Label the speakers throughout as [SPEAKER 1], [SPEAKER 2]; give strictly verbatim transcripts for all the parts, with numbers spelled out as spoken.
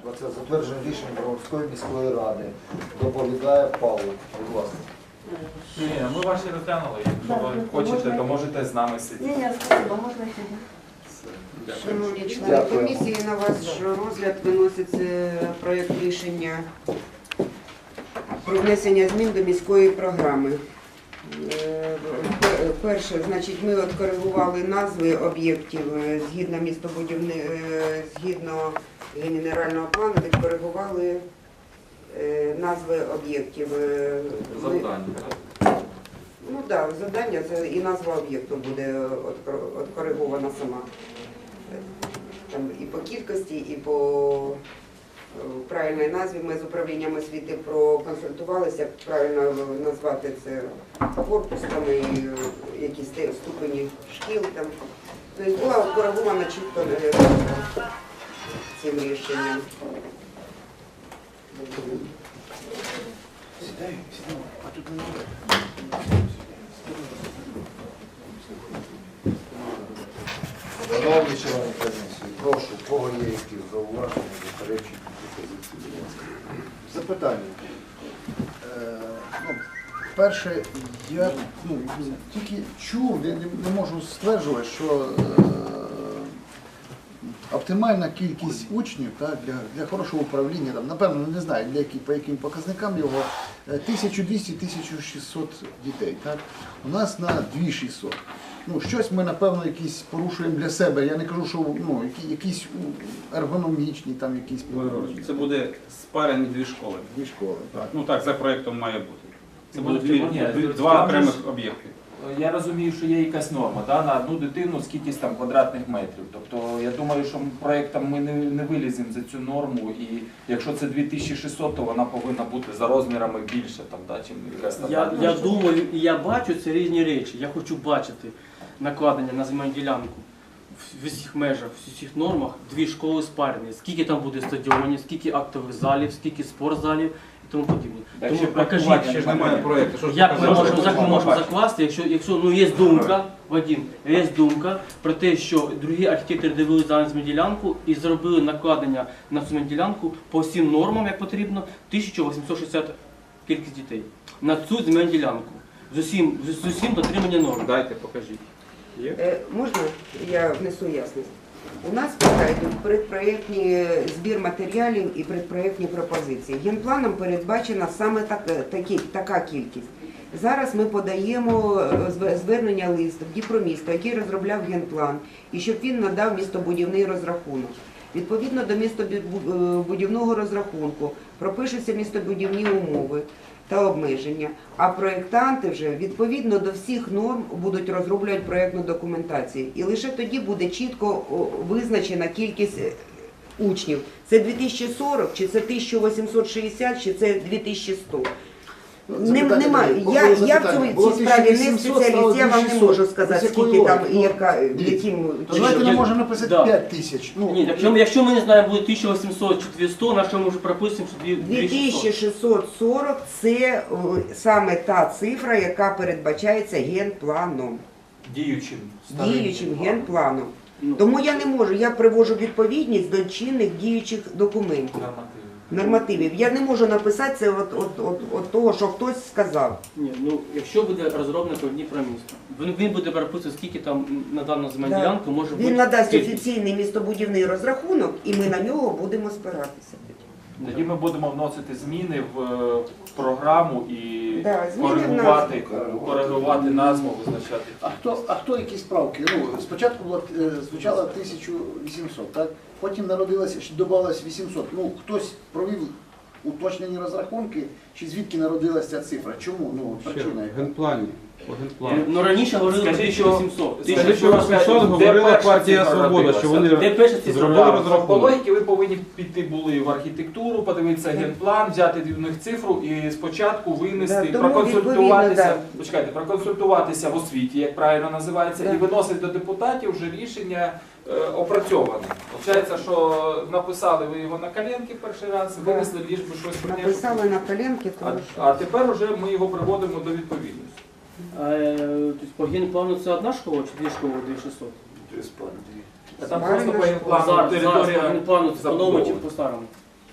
[SPEAKER 1] Про це затвердження рішення Броварської міської ради. Доповідає Павло. Будь ласка.
[SPEAKER 2] Ні, ми ваші розглянули. Якщо ви хочете, то можете з нами сидіти.
[SPEAKER 3] Ні, ні, спасибо, можна сидіти.
[SPEAKER 4] Шановні члени
[SPEAKER 1] Дякую.
[SPEAKER 4] комісії, на ваш розгляд виноситься проєкт рішення про внесення змін до міської програми. Е, пер- Перше, значить, ми от коригували назви об'єктів е, згідно містобудівни, е, згідно генерального плану, відкоригували е, назви об'єктів. Е, ми-
[SPEAKER 2] Завдання.
[SPEAKER 4] Ну так, да, завдання це і назва об'єкту буде откоригована сама. Там і по кількості, і по е, правильній назві ми з управлінням освіти проконсультувалися, як правильно назвати це корпус, там і е, якісь те- ступені шкіл. Там. Тобто була откоригована чітко е, цим рішенням.
[SPEAKER 1] Шановні члени комісії, прошу, у кого є якісь зауваження, заперечення, пропозиції, будь ласка.
[SPEAKER 5] Запитання. Е, ну, перше, я ну, тільки чув, я не, не можу стверджувати, що е, оптимальна кількість учнів так, для, для хорошого управління, там, напевно, не знаю, для які, по яким показникам його, тисяча двісті - тисяча шістсот дітей. Так? У нас на дві тисячі шістсот. Ну, щось ми, напевно, якісь порушуємо для себе. Я не кажу, що ну, які, якісь ергономічні, там якісь
[SPEAKER 6] Це буде спарені дві школи.
[SPEAKER 5] дві школи. Так.
[SPEAKER 6] Ну так, за проєктом має бути. Це
[SPEAKER 2] Ну,
[SPEAKER 6] будуть
[SPEAKER 2] ні,
[SPEAKER 6] дві,
[SPEAKER 2] ні,
[SPEAKER 6] два
[SPEAKER 2] там
[SPEAKER 6] окремих
[SPEAKER 2] же ж-
[SPEAKER 6] об'єкти.
[SPEAKER 2] Я розумію, що є якась норма да, на одну дитину, скількись там квадратних метрів. Тобто я думаю, що проєктом ми не, не виліземо за цю норму, і якщо це дві тисячі шістсот, то вона повинна бути за розмірами більше, там, да, чим якась
[SPEAKER 7] Я,
[SPEAKER 2] стандартна.
[SPEAKER 7] я думаю і я бачу, це різні речі. Я хочу бачити накладення на земельну ділянку в усіх межах, в усіх нормах, дві школи спарені. Скільки там буде стадіонів, скільки актових залів, скільки спортзалів і тому подібне.
[SPEAKER 2] Так,
[SPEAKER 7] Тому
[SPEAKER 2] ще
[SPEAKER 7] покажіть,
[SPEAKER 2] проектування
[SPEAKER 6] Ще ж немає проєкту. Що ж
[SPEAKER 7] як ми
[SPEAKER 6] показати?
[SPEAKER 7] можемо, як ми можемо закласти, якщо, якщо ну, є думка, Вадим, є думка про те, що другі архітектори дивилися на земельну ділянку і зробили накладення на земельну ділянку по всім нормам, як потрібно, тисяча вісімсот шістдесят кількість дітей на цю земельну ділянку. З усім, з усім дотримання норм.
[SPEAKER 6] Дайте, покажіть. Є?
[SPEAKER 4] Е, Можна я внесу ясність? У нас поки йдуть предпроєктні збір матеріалів і предпроєктні пропозиції. Генпланом передбачена саме так, такі, така кількість. Зараз ми подаємо е, звернення лист в Дніпромісто, який розробляв генплан, і щоб він надав містобудівний розрахунок. Відповідно до містобудівного розрахунку пропишуться містобудівні умови та обмеження, а проєктанти вже відповідно до всіх норм будуть розроблювати проєктну документацію. І лише тоді буде чітко о, визначена кількість е, учнів. Це дві тисячі сорок, чи це тисяча вісімсот шістдесят, чи це дві тисячі сто. Нем- Немає. Я, я в цій- цій справі не спеціаліст, я вам не можу сказати, скільки там і яка, яким...
[SPEAKER 5] То давайте ми
[SPEAKER 7] я-
[SPEAKER 5] можемо написати
[SPEAKER 7] да.
[SPEAKER 5] п'ять тисяч. Ну,
[SPEAKER 7] Ні, якщо, якщо ми не знаємо, буде тисяча вісімсот чи дві сто, на що ми вже прописуємо, що дві
[SPEAKER 4] дві тисячі
[SPEAKER 7] шістсот.
[SPEAKER 4] шістсот сорок – це о, саме та цифра, яка передбачається генпланом,
[SPEAKER 2] Діючим. старим
[SPEAKER 4] діючим
[SPEAKER 2] генпланом.
[SPEAKER 4] генпланом.
[SPEAKER 7] Ну,
[SPEAKER 4] Тому я не можу, я привожу відповідність до чинних діючих документів,
[SPEAKER 2] Нормативно.
[SPEAKER 4] нормативів. Я не можу написати це от, от, от, от того, що хтось сказав.
[SPEAKER 7] Ні, ну якщо буде розроблено по Дніпромісто, він, він буде переписувати, скільки там на дану земельну
[SPEAKER 4] Да.
[SPEAKER 7] ділянку може бути.
[SPEAKER 4] Він надасть
[SPEAKER 7] кількість.
[SPEAKER 4] офіційний містобудівний розрахунок, і ми на нього будемо спиратися.
[SPEAKER 2] Тоді ми будемо вносити зміни в е, програму і
[SPEAKER 4] Да, зміни в
[SPEAKER 2] коригувати,
[SPEAKER 1] назву.
[SPEAKER 2] коригувати назву, визначати.
[SPEAKER 5] а хто, а хто якісь правки? Ну, спочатку було, е, звучало тисяча вісімсот, так? Потім народилося, ще додалось вісімсот. Ну, хтось провів уточнені розрахунки, чи звідки народилася ця цифра? Чому? Ну, от причина.
[SPEAKER 8] В
[SPEAKER 5] яка?
[SPEAKER 8] генплані. По генплану.
[SPEAKER 7] Ну раніше говорили про
[SPEAKER 2] Скажіть,
[SPEAKER 7] тисяча
[SPEAKER 2] що-
[SPEAKER 7] вісімсот.
[SPEAKER 2] скажіть,
[SPEAKER 8] Скажіть,
[SPEAKER 2] що
[SPEAKER 8] що
[SPEAKER 2] ви скажете,
[SPEAKER 8] вісімсот
[SPEAKER 2] де
[SPEAKER 8] говорила
[SPEAKER 2] перша
[SPEAKER 8] партія
[SPEAKER 2] цифра
[SPEAKER 8] Свобода, що вони
[SPEAKER 7] Де перша цифра?
[SPEAKER 8] зробили
[SPEAKER 2] По
[SPEAKER 8] розрахунок.
[SPEAKER 2] логіки ви повинні піти були в архітектуру, подивитися генплан, взяти від них цифру і спочатку винести,
[SPEAKER 4] Да, тому
[SPEAKER 2] проконсультуватися,
[SPEAKER 4] відповідно,
[SPEAKER 2] почекайте, проконсультуватися в освіті, як правильно називається,
[SPEAKER 4] Да.
[SPEAKER 2] і виносити до депутатів вже рішення е, опрацьоване. Получається, що написали ви його на коленки перший раз,
[SPEAKER 4] Да.
[SPEAKER 2] винесли ліж би щось прийняти.
[SPEAKER 4] Написали на коленки,
[SPEAKER 2] А,
[SPEAKER 4] тому що...
[SPEAKER 2] а тепер вже ми його приводимо до відповідності.
[SPEAKER 7] Е, тобто по генплану це одна школа чи дві школи, дві тисячі шістсот?
[SPEAKER 2] А там
[SPEAKER 4] Спарена
[SPEAKER 2] просто по
[SPEAKER 4] школа.
[SPEAKER 2] генплану
[SPEAKER 7] Зараз, зараз по
[SPEAKER 2] територія
[SPEAKER 7] генплану це по новому чи
[SPEAKER 2] забудована.
[SPEAKER 7] по старому?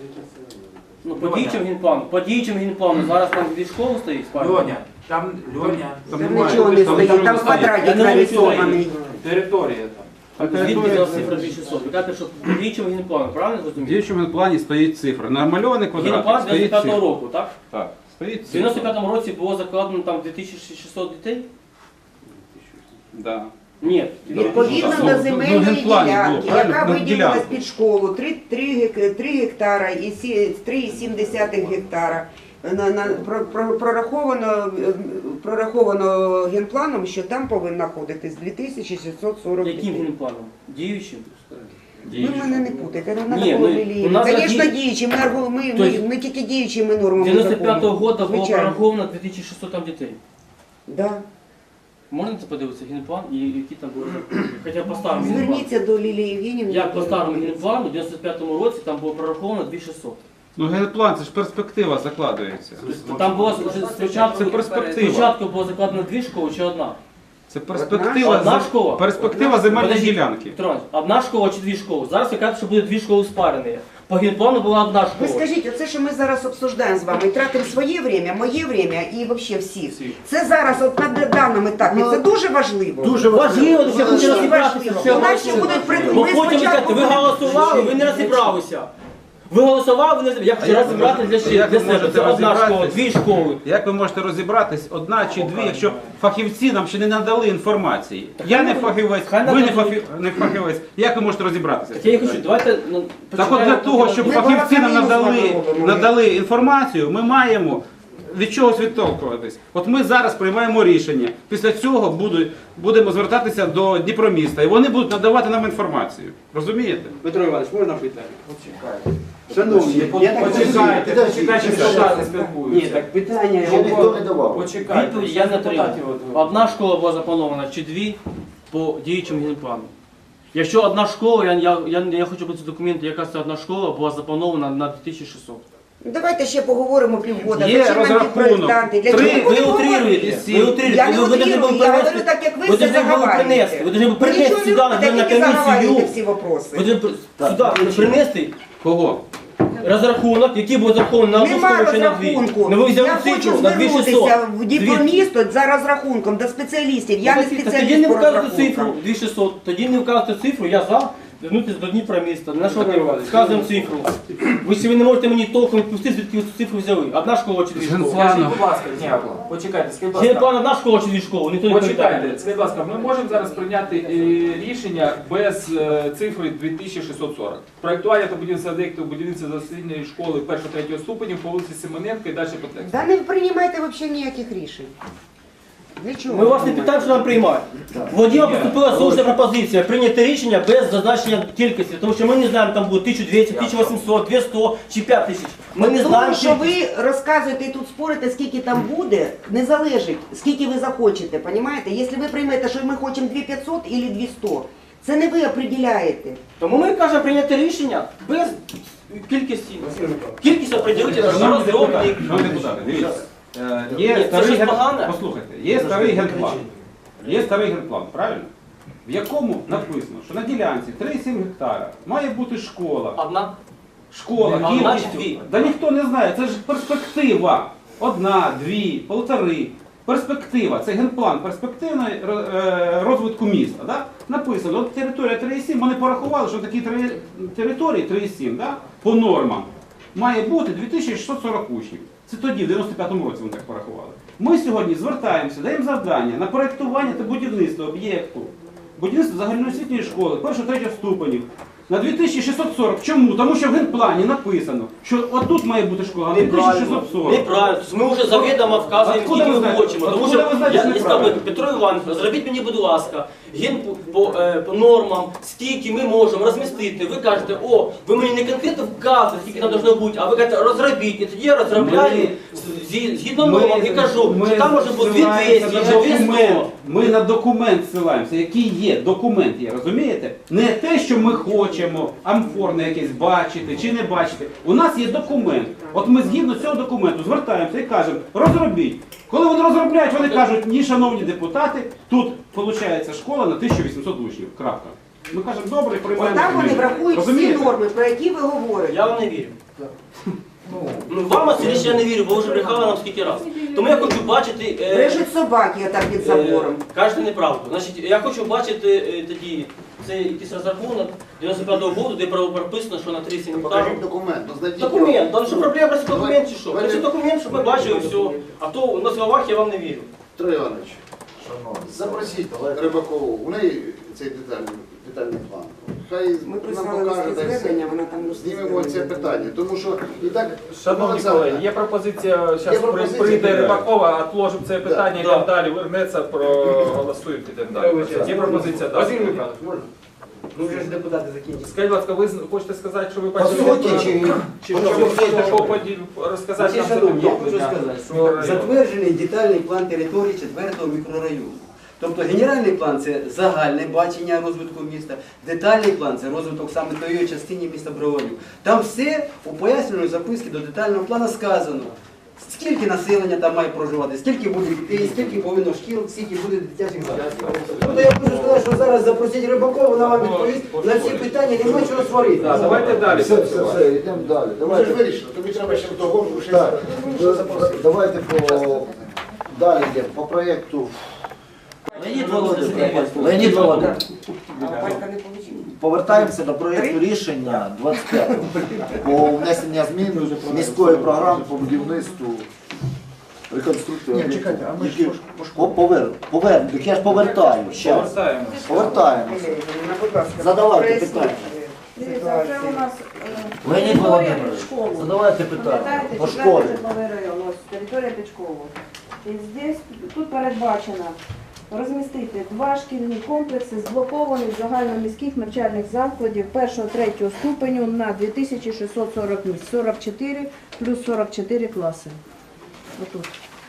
[SPEAKER 7] Ну, по діючим генплану, по діючим генплану, зараз там дві школи стоїть, спальні.
[SPEAKER 2] Льоня, там Льоня,
[SPEAKER 6] Там
[SPEAKER 4] Там
[SPEAKER 6] немає.
[SPEAKER 4] нічого не
[SPEAKER 6] Там
[SPEAKER 4] стоїть,
[SPEAKER 6] нічого
[SPEAKER 4] там
[SPEAKER 6] не стоїть.
[SPEAKER 4] квадратик
[SPEAKER 7] Я не
[SPEAKER 4] нарисований.
[SPEAKER 2] територія там.
[SPEAKER 7] Звідки взяла цифра дві тисячі шістсот? Ви кажете, що по діючому генплану, правильно
[SPEAKER 6] В
[SPEAKER 7] зрозуміли?
[SPEAKER 6] діючому плані стоїть цифра. Намальований квадратик
[SPEAKER 7] Генплан
[SPEAKER 6] стоїть
[SPEAKER 7] дев'яносто п'ятого
[SPEAKER 6] цифра.
[SPEAKER 7] року, так?
[SPEAKER 6] Так, стоїть
[SPEAKER 7] В
[SPEAKER 6] цифра.
[SPEAKER 7] дев'яносто п'ятому році було закладено там дві тисячі шістсот дітей?
[SPEAKER 6] Да.
[SPEAKER 7] Ні.
[SPEAKER 4] Відповідно
[SPEAKER 6] Ну,
[SPEAKER 4] до
[SPEAKER 6] ну,
[SPEAKER 4] земельної
[SPEAKER 6] генплані було,
[SPEAKER 4] ділянки,
[SPEAKER 6] правильно?
[SPEAKER 4] яка
[SPEAKER 6] Ну,
[SPEAKER 4] виділилась
[SPEAKER 6] ділянка.
[SPEAKER 4] під школу, три гектара і три цілих сім десятих гектара, на, на, про- про- прораховано, е, прораховано генпланом, що там повинно знаходитись дві тисячі шістсот сорок
[SPEAKER 7] Яким
[SPEAKER 4] дітей.
[SPEAKER 7] генпланом? Діючим?
[SPEAKER 4] Ви мене не путайте, не
[SPEAKER 7] Ні,
[SPEAKER 4] треба
[SPEAKER 7] ну,
[SPEAKER 4] було
[SPEAKER 7] у
[SPEAKER 4] ліліяти.
[SPEAKER 7] нас
[SPEAKER 4] Звісно,
[SPEAKER 7] такі-
[SPEAKER 4] діючі, ми, аргу- ми, ми,
[SPEAKER 7] Тобто
[SPEAKER 4] ми тільки діючими нормами
[SPEAKER 7] дев'яносто п'ятого
[SPEAKER 4] закону.
[SPEAKER 7] року було
[SPEAKER 4] Звичайно.
[SPEAKER 7] прораховано дві тисячі шістсот там дітей.
[SPEAKER 4] Да.
[SPEAKER 7] Можна це подивитися генплан і які там були? Хоча по старому генплану.
[SPEAKER 4] Зверніться до Лілії Євгенівни.
[SPEAKER 7] Як по старому генплану в дев'яносто п'ятому році там було прораховано дві тисячі шістсот.
[SPEAKER 6] Ну генплан, це ж перспектива закладується.
[SPEAKER 7] Там було вже спочатку,
[SPEAKER 6] Це перспектива.
[SPEAKER 7] спочатку було закладено дві школи чи одна?
[SPEAKER 6] Це перспектива,
[SPEAKER 7] Одна
[SPEAKER 6] з-
[SPEAKER 7] школа?
[SPEAKER 6] перспектива земельної
[SPEAKER 7] Подождіть,
[SPEAKER 6] ділянки.
[SPEAKER 7] Петро Іванович, одна школа чи дві школи? Зараз ви кажете, що буде дві школи спарені. По генплану була одна
[SPEAKER 4] Ви
[SPEAKER 7] школа.
[SPEAKER 4] скажіть, оце, що ми зараз обсуждаємо з вами, і тратимо своє время, моє время і взагалі всіх. Це зараз, от на даному етапі, це дуже важливо.
[SPEAKER 5] Дуже
[SPEAKER 7] Важливо, що я хочу
[SPEAKER 4] Дуже
[SPEAKER 7] розібратися.
[SPEAKER 4] важливо.
[SPEAKER 7] що я
[SPEAKER 4] У нас
[SPEAKER 7] бачу.
[SPEAKER 4] ще будуть придумати.
[SPEAKER 7] Бо
[SPEAKER 4] Ми
[SPEAKER 7] потім ви
[SPEAKER 4] спочатку
[SPEAKER 7] кажете, ви голосували, ви не розібралися. Ви голосували, ви не розібралися. Я хочу
[SPEAKER 6] як
[SPEAKER 7] розібратися для,
[SPEAKER 6] ви
[SPEAKER 7] ще- для себе.
[SPEAKER 6] можете
[SPEAKER 7] Це одна школа,
[SPEAKER 6] розібратись?
[SPEAKER 7] дві школи.
[SPEAKER 6] Як ви можете розібратись, одна чи дві, якщо фахівці нам ще не надали інформації? Я не фахівець,
[SPEAKER 7] хай
[SPEAKER 6] ви не,
[SPEAKER 7] нададуть.
[SPEAKER 6] фахів... не фахівець. Як ви можете розібратися?
[SPEAKER 7] Так я і хочу, давайте ну,
[SPEAKER 6] Так от для
[SPEAKER 7] почекаємо,
[SPEAKER 6] того,
[SPEAKER 7] поки
[SPEAKER 6] щоб
[SPEAKER 4] Ми
[SPEAKER 6] фахівці нам
[SPEAKER 4] балакаємо з
[SPEAKER 6] надали,
[SPEAKER 4] вами, робимо.
[SPEAKER 6] надали інформацію, ми маємо від чогось відтолкуватись. От ми зараз приймаємо рішення. Після цього будуть, будемо звертатися до Дніпроміста, і вони будуть надавати нам інформацію. Розумієте?
[SPEAKER 7] Петро Іванович, можна питання?
[SPEAKER 5] Шановні, я так
[SPEAKER 2] Почекайте,
[SPEAKER 5] розумію,
[SPEAKER 2] почекайте,
[SPEAKER 5] підождіть,
[SPEAKER 2] депутати
[SPEAKER 7] Ні,
[SPEAKER 2] спілкуються.
[SPEAKER 7] так питання.
[SPEAKER 5] Ще ніхто не давав.
[SPEAKER 2] Почекайте.
[SPEAKER 7] Відповідь я не отримав.
[SPEAKER 2] Депутатів от-
[SPEAKER 7] Одна школа була запланована чи дві по діючому генплану. Якщо одна школа, я, я, я, я хочу бути документи, яка це одна школа була запланована на дві тисячі шістсот.
[SPEAKER 4] Давайте ще поговоримо півгода.
[SPEAKER 6] Є
[SPEAKER 4] Зачем нам ті
[SPEAKER 6] розрахунок.
[SPEAKER 4] проєктанти? Для
[SPEAKER 6] Три-
[SPEAKER 4] чого
[SPEAKER 7] Ви
[SPEAKER 4] будемо
[SPEAKER 7] утрируєте,
[SPEAKER 4] говорити?
[SPEAKER 7] ви утрируєте.
[SPEAKER 4] Я не
[SPEAKER 7] Ви- ви должны
[SPEAKER 4] утрирую,
[SPEAKER 7] були
[SPEAKER 4] я
[SPEAKER 7] принести-
[SPEAKER 4] говорю так, як ви
[SPEAKER 7] ви
[SPEAKER 4] все
[SPEAKER 7] должны були
[SPEAKER 4] заговарюєте.
[SPEAKER 7] принести, ви должны були
[SPEAKER 4] Ви
[SPEAKER 7] принести
[SPEAKER 4] нічого не
[SPEAKER 7] сюди,
[SPEAKER 4] робите,
[SPEAKER 7] на
[SPEAKER 4] тільки заговарюєте
[SPEAKER 7] комісію.
[SPEAKER 4] всі вопроси.
[SPEAKER 7] Ви должны сюди принести
[SPEAKER 6] Кого?
[SPEAKER 7] розрахунок, який був розрахований на одну
[SPEAKER 4] Нема
[SPEAKER 7] школу чи на дві.
[SPEAKER 4] розрахунку.
[SPEAKER 7] Ну ви взяли
[SPEAKER 4] Я хочу
[SPEAKER 7] цифру на дві тисячі шістсот.
[SPEAKER 4] звернутися в
[SPEAKER 7] Звідки?
[SPEAKER 4] Діпромісто за розрахунком до спеціалістів. Я не
[SPEAKER 7] Так тоді
[SPEAKER 4] спеціаліст
[SPEAKER 7] не
[SPEAKER 4] по
[SPEAKER 7] вказуєте цифру
[SPEAKER 4] розрахункам.
[SPEAKER 7] дві тисячі шістсот, тоді не вказуєте цифру, я за. Звернутися до Дніпроміста. На що ми вказуємо цифру? Ви ще ви не можете мені толком відпустити, звідки ви цю цифру взяли. Одна школа чи дві школи?
[SPEAKER 2] Скажіть, будь ласка, ні, почекайте, скажіть, будь ласка.
[SPEAKER 7] Генплан одна школа чи дві школи? Ніхто не
[SPEAKER 2] Почекайте,
[SPEAKER 7] відповідає.
[SPEAKER 2] скажіть, будь ласка, ми можемо зараз прийняти е, рішення без е, цифри дві тисячі шістсот сорок. Проєктування та будівництва об'єктів будівництва дослідної школи першого-третього ступенів по вулиці Семененка і далі по тексту.
[SPEAKER 4] Да не приймайте взагалі ніяких рішень. Для чого?
[SPEAKER 7] Ми вас не питаємо, що нам приймати. Владіма поступила слушна пропозиція прийняти рішення без зазначення кількості, тому що ми не знаємо, там буде тисяча двісті, тисяча вісімсот, дві сто чи п'ять тисяч. Ми не
[SPEAKER 4] Тому
[SPEAKER 7] знаємо,
[SPEAKER 4] що ви розказуєте і тут спорите, скільки там буде, не залежить, скільки ви захочете, понімаєте? Якщо ви приймете, що ми хочемо дві тисячі п'ятсот або дві сто, це не ви определяєте.
[SPEAKER 7] Тому ми кажемо прийняти рішення без кількості. Кількість определити на
[SPEAKER 6] Шановні
[SPEAKER 7] розробник.
[SPEAKER 6] депутати, шановні депутати, дивіться. Е,
[SPEAKER 7] Ні,
[SPEAKER 6] Є
[SPEAKER 7] це
[SPEAKER 6] старий
[SPEAKER 7] щось
[SPEAKER 6] ген-
[SPEAKER 7] погане?
[SPEAKER 6] Послухайте, є старий генплан. Є старий генплан, правильно? В якому написано, що на ділянці три цілих сім гектара має бути школа.
[SPEAKER 7] Одна.
[SPEAKER 6] Школа,
[SPEAKER 7] А одна чи
[SPEAKER 6] кількістю.
[SPEAKER 7] дві?
[SPEAKER 6] Да ніхто не знає, це ж перспектива. Одна, дві, полтори. Перспектива, це генплан перспективної е, розвитку міста. Да? Написано, от територія три цілих сім, вони порахували, що такі три- території три цілих сім, да? По нормам має бути дві тисячі шістсот сорок учнів. Це тоді, в дев'яносто п'ятому році вони так порахували. Ми сьогодні звертаємося, даємо завдання на проєктування та будівництво об'єкту, будівництво загальноосвітньої школи, першого-третього ступенів, на дві тисячі шістсот сорок. Чому? Тому що в генплані написано, що отут має бути школа, а дві тисячі шістсот сорок.
[SPEAKER 7] Неправильно. Тобто ми вже завідомо вказуємо,
[SPEAKER 6] Откуда
[SPEAKER 7] скільки
[SPEAKER 6] ви
[SPEAKER 7] ми
[SPEAKER 6] знаєте?
[SPEAKER 7] хочемо. Тому
[SPEAKER 6] Откуда
[SPEAKER 7] що
[SPEAKER 6] ви знаєте,
[SPEAKER 7] я
[SPEAKER 6] що
[SPEAKER 7] не
[SPEAKER 6] неправильно?
[SPEAKER 7] скажу, Петро Іванович, зробіть мені, будь ласка, ген по, по, е, по нормам, скільки ми можемо розмістити. Ви кажете, о, ви мені не конкретно вказуєте, скільки там должно бути, а ви кажете, розробіть. І тоді я розробляю зі- згідно нормам і кажу,
[SPEAKER 6] ми
[SPEAKER 7] що там може бути дві
[SPEAKER 6] ссилаємося
[SPEAKER 7] двісті,
[SPEAKER 6] на
[SPEAKER 7] чи дві
[SPEAKER 6] документ.
[SPEAKER 7] сто.
[SPEAKER 6] Ми на документ ссилаємося, який є, документ є, розумієте? Не те, що ми хочемо амфорне якесь бачити чи не бачити. У нас є документ. От ми згідно цього документу звертаємося і кажемо, розробіть. Коли вони розробляють, вони кажуть, ні, шановні депутати, тут виходить школа на тисячу вісімсот учнів. Крапка. Ми кажемо, добре, приймаємо.
[SPEAKER 4] Там вони
[SPEAKER 6] рішення».
[SPEAKER 4] врахують всі
[SPEAKER 6] Розумієте?
[SPEAKER 4] норми, про які ви говорите.
[SPEAKER 7] Я вам не вірю.
[SPEAKER 1] Ну,
[SPEAKER 7] Ну, вам Васильович, я не вірю, бо ви вже брехали нам скільки разів. Тому я хочу бачити... е,
[SPEAKER 4] Брежуть собаки отак під
[SPEAKER 7] е,
[SPEAKER 4] забором.
[SPEAKER 7] Кажете неправду. Значить, я хочу бачити е, тоді, це якийсь розрахунок дев'яносто п'ятого року, де право прописано, що на тридцять гектарів.
[SPEAKER 5] Покажіть документ, ну знайдіть.
[SPEAKER 7] Документ, там що проблема просто
[SPEAKER 5] Давай.
[SPEAKER 7] документ чи що?
[SPEAKER 5] Давай.
[SPEAKER 7] Це документ, щоб ми бачили все. А то на словах я вам не вірю.
[SPEAKER 5] Трой Іванович,
[SPEAKER 1] шановні,
[SPEAKER 5] запросіть
[SPEAKER 1] давайте.
[SPEAKER 5] Рибакову, у неї цей детальний, детальний план. Хай
[SPEAKER 4] Ми
[SPEAKER 5] нам
[SPEAKER 4] прислали
[SPEAKER 5] покаже,
[SPEAKER 4] листи
[SPEAKER 5] дай
[SPEAKER 4] звернення,
[SPEAKER 5] все.
[SPEAKER 4] вона там листи
[SPEAKER 5] Знімемо це
[SPEAKER 4] звернення.
[SPEAKER 5] питання, тому що і так...
[SPEAKER 2] Шановні
[SPEAKER 5] Олександр,
[SPEAKER 2] колеги, є пропозиція,
[SPEAKER 5] Є
[SPEAKER 2] зараз
[SPEAKER 5] пропозиція,
[SPEAKER 2] прийде
[SPEAKER 5] так.
[SPEAKER 2] Рибакова, відложимо це питання,
[SPEAKER 7] Да.
[SPEAKER 2] йдемо далі, вернеться, проголосуємо, підемо далі. Є пропозиція, так.
[SPEAKER 3] Василь Михайлович, можна? Ну вже ж депутати закінчили.
[SPEAKER 2] Скажіть, будь ласка, ви з- хочете сказати, що ви
[SPEAKER 3] По
[SPEAKER 2] бачили?
[SPEAKER 3] суті, чи,
[SPEAKER 2] Чи
[SPEAKER 3] по
[SPEAKER 2] що,
[SPEAKER 3] чому
[SPEAKER 2] ви хочете
[SPEAKER 3] є
[SPEAKER 2] що поділ- розказати
[SPEAKER 3] Значить,
[SPEAKER 2] нам
[SPEAKER 3] шановні, я
[SPEAKER 2] за
[SPEAKER 3] хочу сказати, що
[SPEAKER 2] мікрорайону?
[SPEAKER 3] затверджений детальний план території четвертого мікрорайону. Тобто генеральний план це загальне бачення розвитку міста, детальний план це розвиток саме тої частини міста Броварів. Там все у пояснювальній записці до детального плану сказано. Скільки населення там має проживати, скільки буде дітей, скільки повинно шкіл, скільки буде дитячих садків. Тобто я хочу сказати, що зараз запросіть Рибакова, вона вам відповість на всі питання, немає чого сварити.
[SPEAKER 2] Так, давайте далі.
[SPEAKER 1] Все, все, все, йдемо далі.
[SPEAKER 5] Ми вже
[SPEAKER 1] Давайте,
[SPEAKER 5] ж вирішили, тобі треба ще того, ще
[SPEAKER 1] так,
[SPEAKER 5] ще запросити.
[SPEAKER 1] давайте по, далі йдемо, по проєкту.
[SPEAKER 8] Леонід Володимирович, Леонід Володимирович,
[SPEAKER 4] А Валька не получила.
[SPEAKER 8] повертаємося до проєкту рішення двадцять п'ятого по внесення змін міської програми по будівництву реконструкції.
[SPEAKER 5] Ні,
[SPEAKER 8] об'єктів,
[SPEAKER 5] чекайте, а ми ж
[SPEAKER 8] які-
[SPEAKER 5] пош-
[SPEAKER 8] По- повер, повер, так я ж повертаю, щас.
[SPEAKER 2] Повертаємо.
[SPEAKER 8] Повертаємося.
[SPEAKER 4] Ірина, будь ласка,
[SPEAKER 8] Задавайте
[SPEAKER 4] проясніть,
[SPEAKER 8] питання.
[SPEAKER 4] е,
[SPEAKER 9] Дивіться, це
[SPEAKER 4] ситуацію.
[SPEAKER 9] у нас е,
[SPEAKER 8] Леонід
[SPEAKER 9] територія
[SPEAKER 8] Володимирович,
[SPEAKER 9] під школу.
[SPEAKER 8] задавайте питання
[SPEAKER 9] Пам'ятаєте,
[SPEAKER 8] по
[SPEAKER 9] четвертий
[SPEAKER 8] школі.
[SPEAKER 9] житловий район, ось територія під школу. І здесь, тут передбачено розмістити два шкільні комплекси зблокованих загальноміських навчальних закладів першого-третього ступеню на дві тисячі шістсот сорок місць, сорок чотири плюс сорок чотири класи. Отут.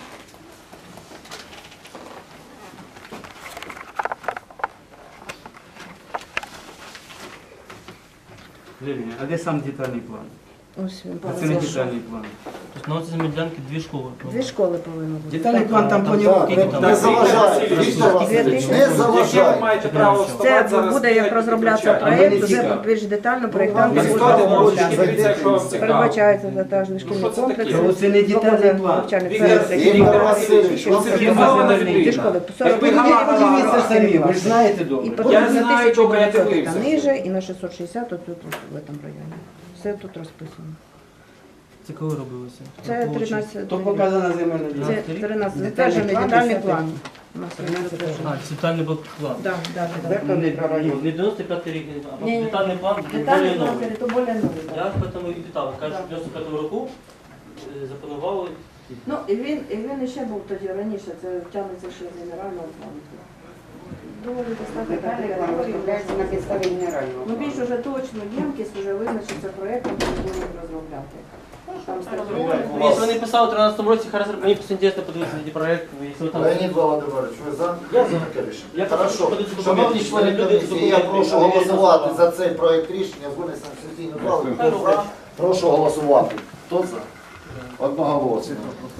[SPEAKER 6] Лілія, а де сам детальний план?
[SPEAKER 9] Ось він.
[SPEAKER 6] А це не детальний план.
[SPEAKER 7] Тобто на цій медянці дві школи.
[SPEAKER 9] Дві школи повинно бути.
[SPEAKER 3] Детальний план там
[SPEAKER 8] Так,
[SPEAKER 3] планує.
[SPEAKER 8] Не заважайте, Віктор Васильович, не
[SPEAKER 2] Яке ви
[SPEAKER 8] заважайте.
[SPEAKER 2] маєте право
[SPEAKER 9] Це
[SPEAKER 2] вставати зараз?
[SPEAKER 9] буде як розроблятися
[SPEAKER 2] кричати?
[SPEAKER 9] проєкт, вже більш детально проєктанти
[SPEAKER 2] Ви
[SPEAKER 9] будуть
[SPEAKER 2] складете
[SPEAKER 9] розробляти.
[SPEAKER 2] ручки, дивіться, якщо вам цікаво.
[SPEAKER 9] Передбачається затажний
[SPEAKER 2] що
[SPEAKER 9] шкільний
[SPEAKER 2] це
[SPEAKER 9] комплекс.
[SPEAKER 2] таке?
[SPEAKER 3] Це не детальний план.
[SPEAKER 8] Віктор Васильович, вам
[SPEAKER 2] Це
[SPEAKER 8] це
[SPEAKER 2] фірмована
[SPEAKER 8] не
[SPEAKER 2] людина.
[SPEAKER 9] школи.
[SPEAKER 2] Якби
[SPEAKER 3] Ви
[SPEAKER 2] гала-
[SPEAKER 3] подивіться самі, ви ж знаєте
[SPEAKER 9] І
[SPEAKER 3] добре.
[SPEAKER 9] по
[SPEAKER 2] Я
[SPEAKER 9] на
[SPEAKER 2] знаю,
[SPEAKER 9] тисячу
[SPEAKER 2] добре, я
[SPEAKER 9] дев'ятсот
[SPEAKER 2] дивився.
[SPEAKER 9] та ниже, і на шістсот шістдесят отут в цьому районі. Все тут розписано.
[SPEAKER 7] Це коли робилося?
[SPEAKER 9] Це тринадцять.
[SPEAKER 3] То показана земельна
[SPEAKER 9] Це
[SPEAKER 3] ділянка.
[SPEAKER 9] тринадцять.
[SPEAKER 3] Детальний
[SPEAKER 9] Затверджений
[SPEAKER 3] план,
[SPEAKER 9] детальний
[SPEAKER 3] десятий.
[SPEAKER 9] план. У нас є затверджений.
[SPEAKER 7] А, детальний план.
[SPEAKER 9] Да, да, да.
[SPEAKER 3] Четвертого мікрорайону.
[SPEAKER 7] Не дев'яносто п'ятий рік, а
[SPEAKER 9] Ні, ні.
[SPEAKER 7] детальний план
[SPEAKER 9] Детальний
[SPEAKER 7] більш
[SPEAKER 9] план
[SPEAKER 7] новий.
[SPEAKER 9] це то більш новий.
[SPEAKER 7] Я
[SPEAKER 9] да.
[SPEAKER 7] ж тому і питав. Кажуть, що в дев'яносто п'ятому року е, запланували.
[SPEAKER 9] Ну, і він, і він ще був тоді раніше, це тягнеться ще з генерального плану. Доволі достатньо
[SPEAKER 4] Детальний план розробляється на підставі генерального.
[SPEAKER 9] Ну, більш уже точно ємкість вже визначиться проєктом, який будемо розробляти. Там стартує.
[SPEAKER 7] Ну, якщо вони писали в тринадцятому році, хай розробляють. Мені просто інтересно подивитися на ті проєкти. Якщо ви там...
[SPEAKER 1] Леонід Володимирович, ви за?
[SPEAKER 7] Я за.
[SPEAKER 1] таке рішення?
[SPEAKER 7] Я
[SPEAKER 1] Хорошо.
[SPEAKER 7] хочу подивитися
[SPEAKER 1] Шановні
[SPEAKER 7] документи.
[SPEAKER 1] члени
[SPEAKER 7] Люди
[SPEAKER 1] комісії, я
[SPEAKER 7] документи,
[SPEAKER 1] прошу
[SPEAKER 7] а не
[SPEAKER 1] голосувати
[SPEAKER 7] голосувати.
[SPEAKER 1] за цей проект рішення з винесенням в сесійну залу. Хто за? Прошу голосувати. Хто за? Одноголосно.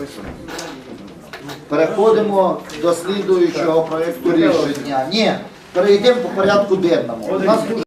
[SPEAKER 1] Переходимо до слідуючого проекту рішення. Ні, перейдемо по порядку денному. У нас дуже